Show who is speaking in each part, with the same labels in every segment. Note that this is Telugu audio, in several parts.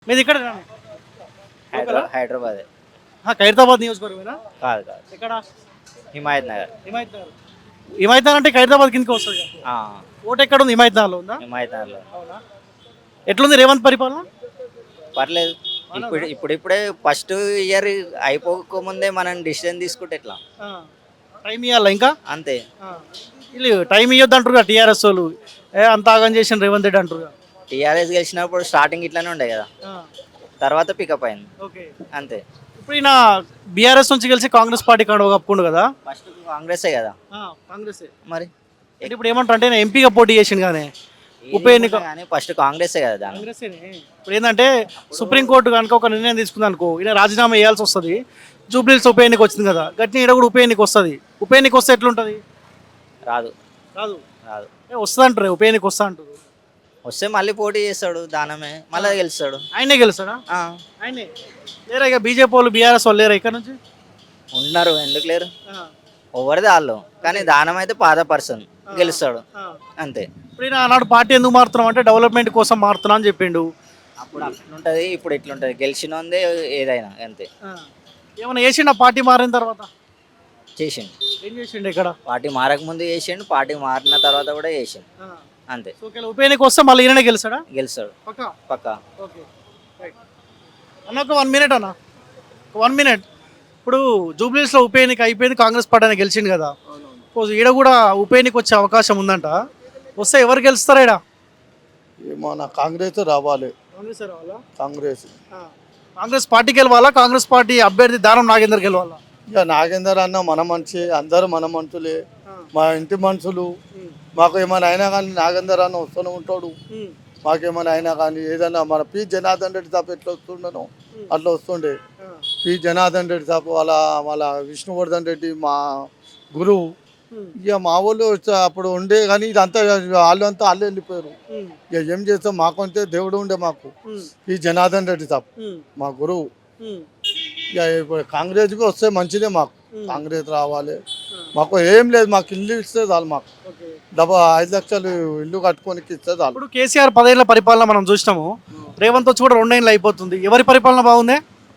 Speaker 1: మీది ఇక్కడ
Speaker 2: హైదరాబాద్
Speaker 1: ఖైరతాబాద్ నియోజకవర్గమేనా?
Speaker 2: కాదు కాదు
Speaker 1: ఎక్కడ?
Speaker 2: హిమాయత్ నగర్.
Speaker 1: హిమాయత్ నగర్. హిమాయత్ నగర్ అంటే ఖైరతాబాద్ కిందకి వస్తుంది కదా.
Speaker 2: ఆ,
Speaker 1: ఓటు ఎక్కడ ఉంది? హిమాయత్ నగర్లో ఉందా?
Speaker 2: హిమాయత్ నగర్లో.
Speaker 1: అవునా? ఎట్లుంది రేవంత్ పరిపాలన?
Speaker 2: పర్లేదు. ఇప్పుడిప్పుడే ఫస్ట్ ఇయర్ అయిపోకముందే మనం డిసిజన్ తీసుకుంటే ఎట్లా?
Speaker 1: టైం ఇవ్వాలా ఇంకా?
Speaker 2: అంతే.
Speaker 1: వీళ్ళు టైం ఇవ్వద్దు అంటారు టీఆర్ఎస్ వాళ్ళు. అంత ఆగం చేసిన రేవంత్ రెడ్డి అంటారు.
Speaker 2: టీఆర్ఎస్ గెలిచినప్పుడు స్టార్టింగ్ ఇట్లానే ఉండే కదా, తర్వాత పికప్ అయింది
Speaker 1: ఓకే.
Speaker 2: అంతే.
Speaker 1: ఇప్పుడు ఈయన బీఆర్ఎస్ నుంచి గెలిచి కాంగ్రెస్ పార్టీ కాడ కప్పుకుండు కదా.
Speaker 2: ఫస్ట్ కాంగ్రెసే కదా
Speaker 1: కాంగ్రెస్.
Speaker 2: మరి.
Speaker 1: అంటే ఇప్పుడు ఏమంటారు అంటే ఎంపీగా పోటీ చేసిండు కానీ ఉప ఎన్నిక
Speaker 2: కానీ ఫస్ట్ కాంగ్రెసే కదా దాని.
Speaker 1: కాంగ్రెస్. ఇప్పుడు ఏంటంటే సుప్రీంకోర్టు కనుక ఒక నిర్ణయం తీసుకుంది అనుకో, ఈయన రాజీనామా చేయాల్సి వస్తుంది. జూబ్లీహిల్స్ ఉప ఎన్నిక వచ్చింది కదా, గట్టిన ఈడ కూడా ఉప ఎన్నిక వస్తుంది. ఉప ఎన్నిక వస్తే ఎట్లుంటుంది?
Speaker 2: రాదు
Speaker 1: రాదు.
Speaker 2: రాదు.
Speaker 1: వస్తుంది అంటారు, ఉప ఎన్నిక వస్తా అంటారు.
Speaker 2: వస్తే మళ్ళీ పోటీ చేస్తాడు, దానమే మళ్ళీ గెలుస్తాడు.
Speaker 1: ఆయనే గెలుస్తాడా? ఆయనే లేరా? ఇక బీజేపీ వాళ్ళు బీఆర్ఎస్ వాళ్ళు లేరా ఇక్కడ నుంచి?
Speaker 2: ఉన్నారు, ఎందుకు లేరు? ఎవరిది వాళ్ళు. కానీ దానం అయితే పాత పర్సన్ గెలుస్తాడు అంతే.
Speaker 1: ఇప్పుడు ఈయన ఆనాడు పార్టీ ఎందుకు మారుతున్నాం అంటే డెవలప్మెంట్ కోసం మారుతున్నా అని చెప్పిండు.
Speaker 2: అప్పుడు అట్లుంటుంది, ఇప్పుడు ఇట్లుంటుంది. గెలిచినోందే ఏదైనా అంతే.
Speaker 1: ఏమైనా చేసిండు పార్టీ మారిన తర్వాత?
Speaker 2: చేసిండు.
Speaker 1: ఏం చేసిండు ఇక్కడ?
Speaker 2: పార్టీ మారక ముందు చేసిండు, పార్టీ మారిన తర్వాత కూడా చేసిండు అంతే.
Speaker 1: ఉప ఎన్నిక వస్తే మళ్ళీ ఈయననే గెలుస్తాడా?
Speaker 2: గెలుస్తాడు పక్కా.
Speaker 1: ఓకే అన్న, ఒక 1 మినిట్ అన్న, 1 మినిట్. ఇప్పుడు జూబ్లీహిల్స్లో ఉప ఎన్నిక అయిపోయింది, కాంగ్రెస్ పార్టీ గెలిచింది కదా. ఈడ కూడా ఉప ఎన్నిక వచ్చే అవకాశం ఉందంట. వస్తే ఎవరు గెలుస్తారా ఈడ?
Speaker 3: ఏమో నా కాంగ్రెస్ రావాలి.
Speaker 1: కాంగ్రెస్ రావాలా?
Speaker 3: కాంగ్రెస్
Speaker 1: పార్టీ గెలవాలా? కాంగ్రెస్ పార్టీ అభ్యర్థి దానం నాగేందర్ గెలవాలా?
Speaker 3: ఇక నాగేందర్ అన్న మన మనిషి, అందరూ మన మనుషులే, మా ఇంటి మనుషులు. మాకు ఏమైనా అయినా కానీ నాగేందర్ అన్న వస్తూనే ఉంటాడు. మాకేమైనా అయినా కానీ ఏదన్నా మన పి జనార్దన్ రెడ్డి సాబ్ ఎట్లా వస్తుండనో అట్లా వస్తుండే. పి జనార్దన్ రెడ్డి సాబ్ వాళ్ళ విష్ణువర్ధన్ రెడ్డి మా గురువు. ఇక మా వాళ్ళు అప్పుడు ఉండే కానీ ఇదంతా వాళ్ళంతా వాళ్ళు వెళ్ళిపోయారు. ఇక ఏం చేస్తాం, మాకంటే దేవుడు ఉండే మాకు పి జనార్దన్ రెడ్డి సాబ్ మా గురువు. ఇక ఇప్పుడు కాంగ్రెస్కి వస్తే మంచిదే, మాకు కాంగ్రెస్ రావాలి. మాకు ఏం లేదు, మాకు ఇల్లు ఇస్తే చాలు. మాకు 5 లక్షలు ఇల్లు కట్టుకొని ఇస్తే చాలు.
Speaker 1: ఇప్పుడు కేసీఆర్ 10 ఏళ్ల పరిపాలన మనం చూసినాము, రేవంత్ వచ్చి కూడా 2 ఏళ్ళు అయిపోతుంది. ఎవరి పరిపాలన బాగుంది?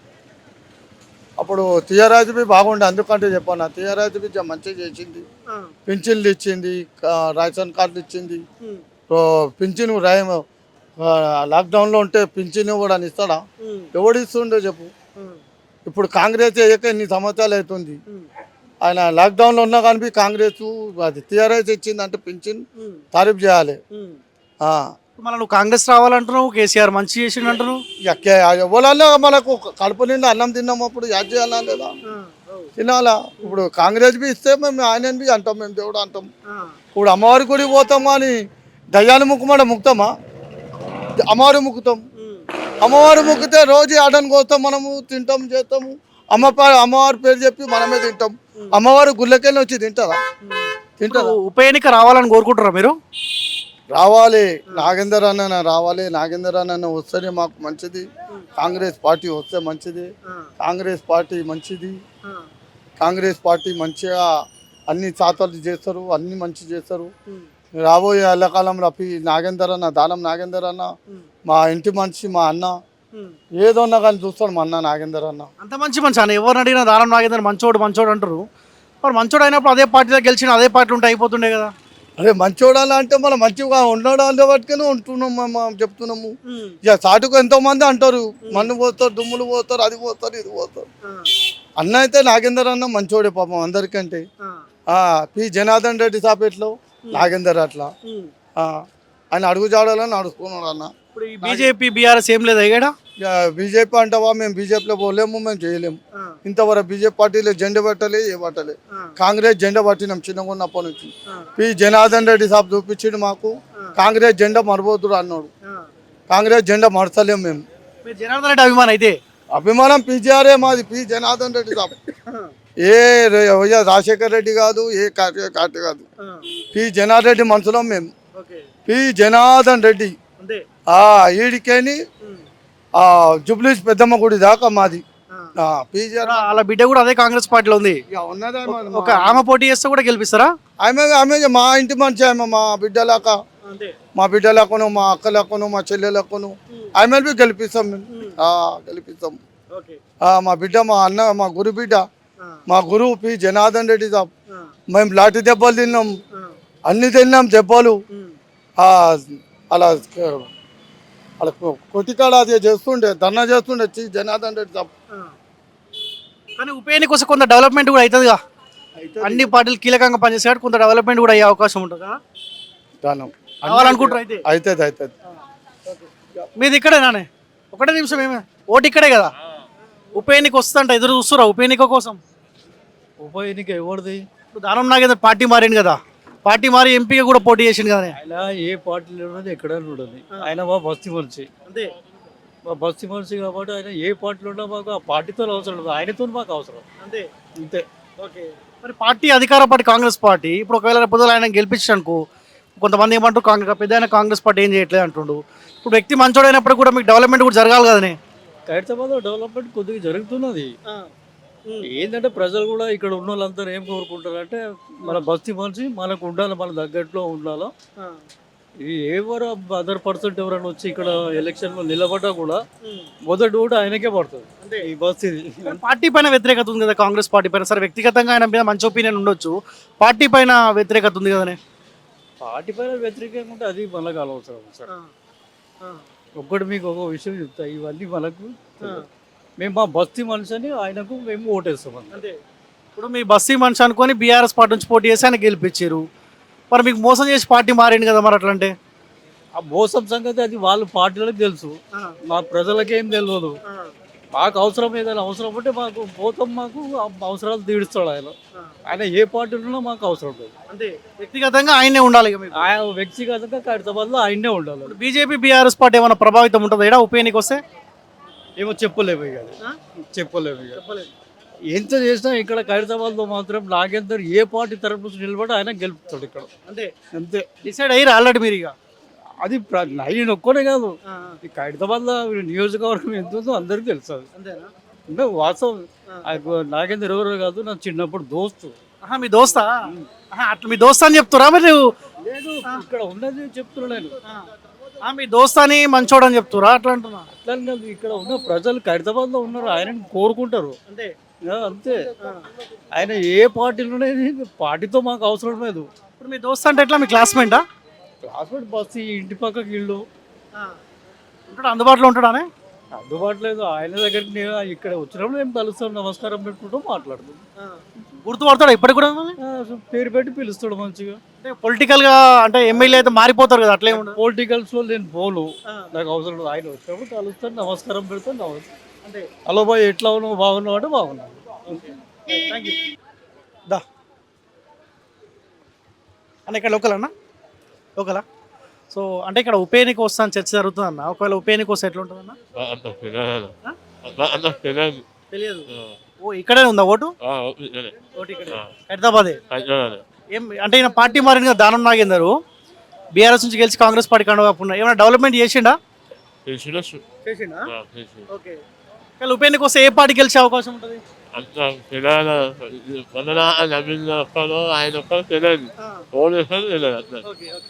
Speaker 3: అప్పుడు టీఆర్ఎస్ బాగుండే, అందుకంటే చెప్పాను. టీఆర్ఎస్ మంచిగా చేసింది, పింఛన్లు ఇచ్చింది, రేషన్ కార్డులు ఇచ్చింది. పింఛను లాక్డౌన్లో ఉంటే పింఛను కూడా ఇస్తాడా? ఎవడు ఇస్తుండే చెప్పు? ఇప్పుడు కాంగ్రెస్ అయ్యాక ఇన్ని సంవత్సరాలు అవుతుంది. ఆయన లాక్డౌన్లో ఉన్నా కానీ కాంగ్రెస్ అది టీఆర్ఎస్ ఇచ్చింది అంటే పింఛన్ తారీఫ్ చేయాలి.
Speaker 1: మళ్ళీ నువ్వు కాంగ్రెస్ రావాలంటున్నావు, కేసీఆర్ మంచి చేసిండు అంటున్నావు.
Speaker 3: ఎవరన్నా మనకు కడుపు నిండా అన్నం తిన్నాము, అప్పుడు యాడ్ చేయాలా లేదా? తినాలా? ఇప్పుడు కాంగ్రెస్ ఇస్తే మేము ఆయన అంటాం, మేము దేవుడు అంటాం. ఇప్పుడు అమ్మవారి గుడికి పోతాం కానీ దయ్యాన్ని ముక్కుమంటే ముక్తామా? అమ్మవారి ముక్కుతాం. అమ్మవారి ముక్కితే రోజు ఆడని కోస్తాం, మనము తింటాం చేస్తాము. అమ్మవారి పేరు చెప్పి మనమే తింటాం. అమ్మవారి గుళ్ళకెళ్ళి వచ్చి తింటారా?
Speaker 1: ఉప ఎన్నిక రావాలని కోరుకుంటారా మీరు?
Speaker 3: రావాలి, నాగేందర్ అన్న రావాలి. నాగేందర్ అన్న వస్తేనే మాకు మంచిది. కాంగ్రెస్ పార్టీ వస్తే మంచిది. కాంగ్రెస్ పార్టీ మంచిది. కాంగ్రెస్ పార్టీ మంచిగా అన్ని శాతాలు చేస్తారు, అన్ని మంచి చేస్తారు. రాబోయే ఎల్లకాలంలో నాగేందర్ అన్న, దానం నాగేందర్ అన్న మా ఇంటి మనిషి, మా అన్న. ఏదన్నా కానీ చూస్తాడు మా అన్న నాగేందర్ అన్న.
Speaker 1: అంత మంచి అన్న, ఎవరిని అడిగినా దానం నాగేందర్ మంచోడు అంటారు. మరి మంచోడు అయినప్పుడు అదే పార్టీలో గెలిచిన అదే పార్టీ ఉంటే అయిపోతుండే కదా.
Speaker 3: అదే మంచోడాలి అంటే మనం మంచిగా ఉండడాలి బట్టుకుని ఉంటున్నాం, మేము చెప్తున్నాము. ఇక సాటుకు ఎంతో మంది అంటారు, మన్ను పోస్తారు, దుమ్ములు పోస్తారు, అది పోస్తారు, ఇది పోతారు. అన్న అయితే నాగేందర్ అన్న మంచోడే పాపం అందరికంటే. పి జనార్దన్ రెడ్డి సాపేట్లో నాగేందర్ అట్లా ఆయన అడుగు జాడాలని నడుచుకున్నాడు అన్న.
Speaker 1: ఇప్పుడు బీజేపీ బీఆర్ఎస్ ఏం లేదు అయ్యాడా?
Speaker 3: బీజేపీ అంటావా? మేము బీజేపీలో పోలేము, మేము చేయలేము. ఇంతవరకు బీజేపీ పార్టీలో జెండా పట్టలే, ఏ పట్టలే. కాంగ్రెస్ జెండా పట్టినాం చిన్నగా ఉన్నప్పటి నుంచి. పి జనార్దన్ రెడ్డి సాబ్ చూపించిండు మాకు, కాంగ్రెస్ జెండా మరబోతుడు అన్నాడు. కాంగ్రెస్ జెండా మరచలేము మేము.
Speaker 1: జనార్దన్ రెడ్డి అభిమానం అయితే?
Speaker 3: అభిమానం పీజీఆర్ఏ మాది, పి జనార్దన్ రెడ్డి సాబ్. ఏ రాజశేఖర్ రెడ్డి కాదు, ఏ కార్తీ కాదు. పి జనార్దన్ రెడ్డి మనుషులం మేము. పి జనార్దన్ రెడ్డి ఈడికేని జూబ్లీహిల్స్ పెద్దమ్మ గుడి దాకా మాది.
Speaker 1: వాళ్ళ బిడ్డ కూడా అదే కాంగ్రెస్ పార్టీలో ఉంది. ఒక ఆమె పోటీ చేస్తే కూడా గెలిపిస్తారా?
Speaker 3: ఆమె మా ఇంటి మనిషి, ఆమె మా బిడ్డలాక. మా బిడ్డలకును మా అక్కలకును మా చెల్లెలకును ఎమ్మెల్బీ గెలిపిస్తాం మేము గెలిపిస్తాం.
Speaker 1: ఓకే.
Speaker 3: మా బిడ్డ మా అన్న మా గురు బిడ్డ మా గురువు పి జనార్దన్ రెడ్డి సాబ్. మేము లాఠీ దెబ్బలు తిన్నాం, అన్ని తిన్నాం దెబ్బలు. అలా అలా కొట్టికాడ అది చేస్తుండే ధర్నా చేస్తుండే జనార్దన్ రెడ్డి సాబ్.
Speaker 1: కానీ ఉప ఎన్నిక కోసం కొంత డెవలప్మెంట్ కూడా అవుతుందిగా. అన్ని పార్టీలు కీలకంగా పనిచేసాడు, కొంత డెవలప్మెంట్ కూడా అయ్యే అవకాశం ఉంటుందా కావాలనుకుంటారు అయితే?
Speaker 3: అవుతుంది అవుతుంది.
Speaker 1: మీది ఇక్కడేనానే? ఒకటే నిమిషం, ఏమే ఓటు ఇక్కడే కదా. ఉప ఎన్నిక వస్తుందంట, ఎదురు చూస్తురా ఉప ఎన్నిక కోసం?
Speaker 4: ఉప ఎన్నిక ఎవరిది?
Speaker 1: ఇప్పుడు దానం నాగేందర్ పార్టీ మారింది కదా, పార్టీ మారి ఎంపీగా కూడా పోటీ చేసింది కదా.
Speaker 4: ఆయన ఏ పార్టీలో ఉన్నది ఎక్కడైనా ఉండదు. ఆయన మా బస్తీ మనిషి,
Speaker 1: అంతే.
Speaker 4: మా బస్తీ మనిషి కాబట్టి ఆయన ఏ పార్టీలో ఉన్నా మాకు ఆ పార్టీతో అవసరం లేదు, ఆయనతో మాకు అవసరం
Speaker 1: అంతే.
Speaker 4: అంతే.
Speaker 1: ఓకే. మరి పార్టీ అధికార పార్టీ కాంగ్రెస్ పార్టీ, ఇప్పుడు ఒకవేళ రేపు ఆయన గెలిపించడానికి కొంతమంది ఏమంటారు, పెద్ద కాంగ్రెస్ పార్టీ ఏం చేయట్లేదు అంటుండు. ఇప్పుడు వ్యక్తి మంచోడైనప్పుడు కూడా మీకు డెవలప్మెంట్ కూడా జరగాలి కదనే.
Speaker 4: ఖైరతాబాద్ డెవలప్మెంట్ కొద్దిగా జరుగుతున్నది. ఏంటంటే ప్రజలు కూడా ఇక్కడ ఉన్న వాళ్ళందరూ ఏం కోరుకుంటారంటే మన బస్తీ మనిషి మనకు ఉండాలి, మన దగ్గరలో ఉండాలి. ఇది ఎవరు అదర్ పర్సెంట్ ఎవరైనా వచ్చి ఇక్కడ ఎలక్షన్లో నిలబడ్డా కూడా మొదటి ఓటు ఆయనకే పడుతుంది ఈ బస్తీది.
Speaker 1: పార్టీ పైన వ్యతిరేకత ఉంది కదా కాంగ్రెస్ పార్టీ పైన. సరే వ్యక్తిగతంగా ఆయన మీద మంచి ఒపీనియన్ ఉండొచ్చు, పార్టీ పైన వ్యతిరేకత ఉంది కదనే.
Speaker 4: పార్టీ పైన వ్యతిరేకంగా ఉంటే అది మనకు అనవసరం సార్. ఒక్కటి మీకు ఒక విషయం చెప్తా, ఇవన్నీ మనకు మేము మా బస్తీ మనిషి అని ఆయనకు మేము ఓటేస్తాం
Speaker 1: అంతే. ఇప్పుడు మీ బస్తీ మనిషి అనుకొని బీఆర్ఎస్ పార్టీ నుంచి పోటీ చేసి ఆయన గెలిపించారు, మరి మీకు మోసం చేసి పార్టీ మారింది కదా, మరి అట్లంటే
Speaker 4: ఆ మోసం సంగతి అది వాళ్ళ పార్టీలకు తెలుసు, మా ప్రజలకేం తెలియదు. మాకు అవసరం ఏదైనా అవసరం ఉంటే మాకు పోతాం, మాకు అవసరాలు తీరుస్తాడు ఆయన. ఆయన ఏ పార్టీలో ఉన్నా మాకు అవసరం లేదు.
Speaker 1: అంతే. వ్యక్తిగతంగా ఆయనే ఉండాలి ఇక మీకు.
Speaker 4: ఆయన వ్యక్తిగతంగా ఖైరతాబాద్లో ఆయనే ఉండాలి.
Speaker 1: బీజేపీ బీఆర్ఎస్ పార్టీ ఏమైనా ప్రభావితం ఉంటుంది ఇక్కడ ఉప ఎన్నిక వస్తే?
Speaker 4: ఏమో చెప్పలేము ఇక, చెప్పలేము ఇక. ఎంత చేసినా ఇక్కడ ఖైరతాబాద్లో మాత్రం నాగేందర్ ఏ పార్టీ తరపు నుంచి నిలబడి ఆయన గెలుపుతాడు ఇక్కడ.
Speaker 1: అంతే.
Speaker 4: అంతే.
Speaker 1: డిసైడ్ అయ్యి ఆల్రెడీ మీరు ఇక.
Speaker 4: అది నేను ఒక్కనే కాదు, ఈ ఖైరతాబాద్లో నియోజకవర్గం ఎంత ఉందో అందరికీ తెలుసు. అది
Speaker 1: అంతేనా?
Speaker 4: అంటే వాస్తవం. నాగేందర్ ఎవరో కాదు, నా చిన్నప్పుడు దోస్తు.
Speaker 1: మీ దోస్తా? అట్లా మీ దోస్తా అని చెప్తురా మరి?
Speaker 4: లేదు, ఇక్కడ ఉన్నది చెప్తున్నా నేను.
Speaker 1: మీ దోస్తాని మంచోడు అని చెప్తురా అట్లా అంటున్నా?
Speaker 4: అట్లా కాదు, ఇక్కడ ఉన్న ప్రజలు ఖైరతాబాద్లో ఉన్నారు, ఆయనని కోరుకుంటారు.
Speaker 1: అంతే.
Speaker 4: అంతే. ఆయన ఏ పార్టీలోనే పార్టీతో మాకు అవసరం లేదు.
Speaker 1: ఇప్పుడు మీ దోస్త అంటే ఎట్లా, మీ క్లాస్మేటా?
Speaker 4: క్లాస్మేట్ బస్సు, ఇంటి పక్కకి ఇల్లు
Speaker 1: ఉంటాడు, అందుబాటులో ఉంటాడానే?
Speaker 4: అందుబాటులో లేదు. ఆయన దగ్గరికి నేను ఇక్కడ వచ్చినప్పుడు మేము కలుస్తాం, నమస్కారం పెట్టుకుంటూ మాట్లాడుతాం.
Speaker 1: గుర్తుపడతాడు ఇప్పటికి కూడా?
Speaker 4: పేరు పెట్టి పిలుస్తాడు మంచిగా.
Speaker 1: అంటే పొలిటికల్ గా అంటే ఎమ్మెల్యే అయితే మారిపోతారు కదా, అట్లే ఉండదు.
Speaker 4: పొలిటికల్స్ లో నేను పోను, నాకు అవసరం లేదు. ఆయన వచ్చినప్పుడు కలుస్తాను, నమస్కారం పెడతాను, నమస్తే. హలో బాయ్ ఎట్లా ఉన్నావు, బాగున్నావు అంటే బాగున్నావు.
Speaker 1: దా అన్న, ఇక్కడ లోకల్ అన్న, లోకలా? సో అంటే ఇక్కడ ఉప ఎన్నిక వస్తాను చర్చ జరుగుతుంది అన్న, ఒకవేళ ఉప ఎన్నిక వస్తే ఎట్లా ఉంటుంది అన్న? తెలియదు. ఓ ఇక్కడే ఉందా ఓటు? ఓటు ఇక్కడ హైదరాబాదే. ఏం అంటే ఈయన పార్టీ మారింది కదా, దానం నాగేందర్ బీఆర్ఎస్ నుంచి గెలిచి కాంగ్రెస్ పార్టీ కండువా, ఏమైనా డెవలప్మెంట్ చేసిండా? చేసిండా? ఓకే. కానీ ఉప ఎన్నిక వస్తే ఏ పార్టీ గెలిచే అవకాశం ఉంటుంది?
Speaker 5: ఆయన ఒక్కరు తెలియదు. ఓన్లీ తెలియదు.
Speaker 1: ఓకే.